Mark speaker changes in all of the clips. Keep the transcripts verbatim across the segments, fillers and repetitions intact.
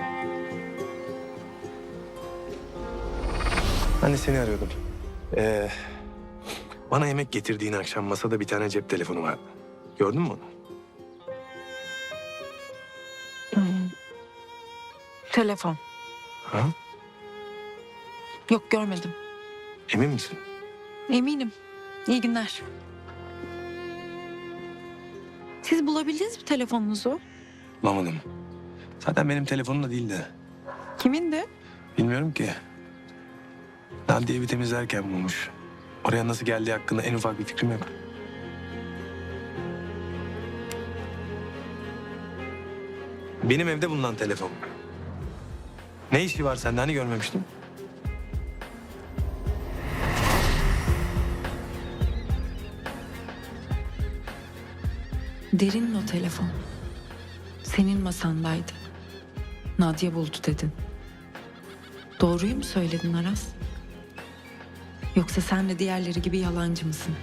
Speaker 1: Ben de seni arıyordum. Ee, bana yemek getirdiğin akşam masada bir tane cep telefonu vardı. Gördün mü onu?
Speaker 2: Telefon.
Speaker 1: Ha?
Speaker 2: Yok, görmedim.
Speaker 1: Emin misin?
Speaker 2: Eminim. İyi günler. Siz bulabildiniz mi telefonunuzu?
Speaker 1: Bulamadım. Zaten benim telefonum da değildi.
Speaker 2: Kimindi?
Speaker 1: Bilmiyorum ki. Nadiye evi temizlerken bulmuş. Oraya nasıl geldiği hakkında en ufak bir fikrim yok. Benim evde bulunan telefon. Ne işi var sende, hani görmemiştim?
Speaker 2: Derin'in o telefon. Senin masandaydı. Nadia buldu dedin. Doğruyu mu söyledin Aras? Yoksa sen de diğerleri gibi yalancı mısın?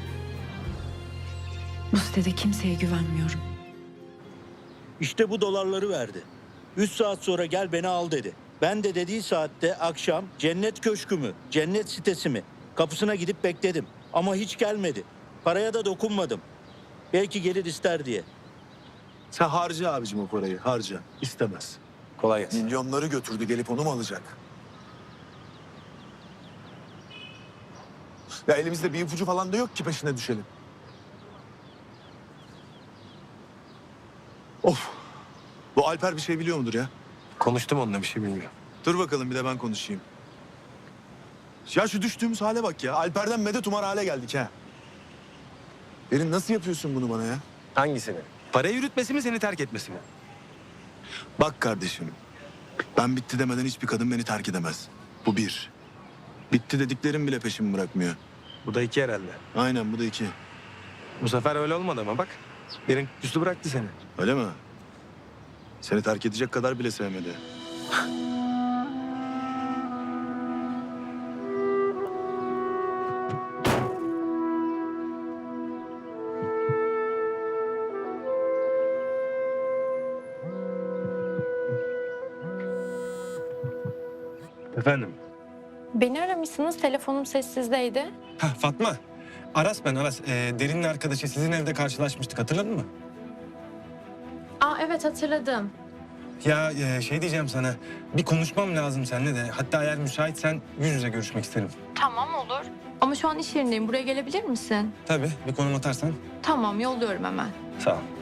Speaker 2: Bu sitede kimseye güvenmiyorum.
Speaker 3: İşte bu dolarları verdi. Üç saat sonra gel beni al dedi. Ben de dediği saatte akşam cennet köşkü mü, cennet sitesi mi? Kapısına gidip bekledim. Ama hiç gelmedi. Paraya da dokunmadım. Belki gelir ister diye.
Speaker 4: Sen harca abicim o parayı, harca. İstemez.
Speaker 1: Kolay gelsin.
Speaker 4: Milyonları götürdü, gelip onu mu alacak? Ya elimizde bir ipucu falan da yok ki peşine düşelim. Of! Bu Alper bir şey biliyor mudur ya?
Speaker 1: Konuştum onunla, bir şey bilmiyorum.
Speaker 4: Dur bakalım bir de ben konuşayım. Ya şu düştüğümüz hale bak ya. Alper'den medet umar hale geldik ha. Derin nasıl yapıyorsun bunu bana ya?
Speaker 1: Hangisini? Parayı yürütmesi mi, seni terk etmesi mi?
Speaker 4: Bak kardeşim. Ben bitti demeden hiçbir kadın beni terk edemez. Bu bir. Bitti dediklerim bile peşimi bırakmıyor.
Speaker 1: Bu da iki herhalde.
Speaker 4: Aynen bu da iki.
Speaker 1: Bu sefer öyle olmadı ama bak. Derin üstü bıraktı seni.
Speaker 4: Öyle mi? Seni terk edecek kadar bile sevmedi.
Speaker 1: Efendim?
Speaker 5: Beni aramışsınız, telefonum sessizdeydi.
Speaker 6: Ha Fatma. Aras ben Aras. Ee, Derin'in arkadaşı, sizin evde karşılaşmıştık, hatırladın mı?
Speaker 5: Aa evet, hatırladım.
Speaker 6: Ya e, şey diyeceğim sana. Bir konuşmam lazım seninle de. Hatta eğer müsaitsen yüz yüze görüşmek isterim.
Speaker 5: Tamam, olur. Ama şu an iş yerindeyim, buraya gelebilir misin?
Speaker 6: Tabii, bir konum atarsan.
Speaker 5: Tamam, yolluyorum hemen.
Speaker 6: Sağ ol.